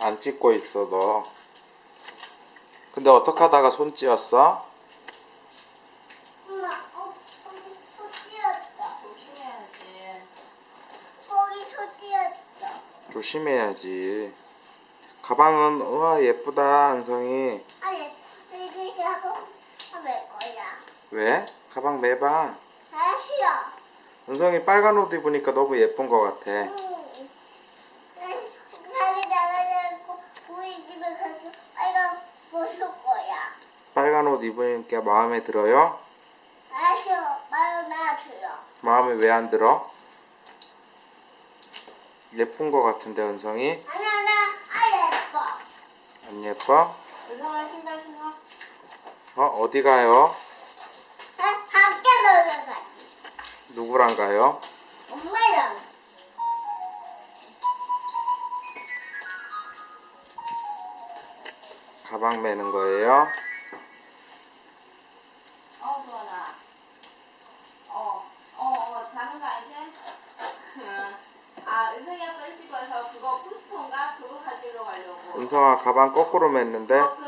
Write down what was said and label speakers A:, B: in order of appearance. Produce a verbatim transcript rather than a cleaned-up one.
A: 안 찍고 있어 너. 근데 어떻게 하다가 손 찧었어?
B: 엄마, 어, 거기 소 띄었다.
C: 조심해야지.
B: 거기 소 띄었다.
A: 조심해야지. 가방은 우와 예쁘다 은성이.
B: 아니, 이제 하고 할 거야.
A: 왜? 가방 매봐.
B: 다시요.
A: 은성이 빨간 옷 입으니까 너무 예쁜 것 같아.
B: 응. 가게 나가려고 우리 집에 가서 빨간 벗을 거야.
A: 빨간 옷 입으니까 마음에 들어요?
B: 다시요. 마음 놔줘요.
A: 마음에 왜 안 들어? 예쁜 것 같은데 은성이?
B: 아니야, 나, 아, 예뻐.
A: 안 예뻐?
C: 은성아 신발 신어.
A: 어 어디 가요?
B: 아, 함께 놀러 가지.
A: 누구랑 가요?
B: 엄마랑.
A: 가방 매는 거예요?
C: 어 좋아라. 어, 어, 어, 자는 거 알지? 아, 은성이 아빠 일찍 와서 그거 부스터인가? 그거 가지러 가려고.
A: 은성아 가방 거꾸로 맸는데?
C: 어, 그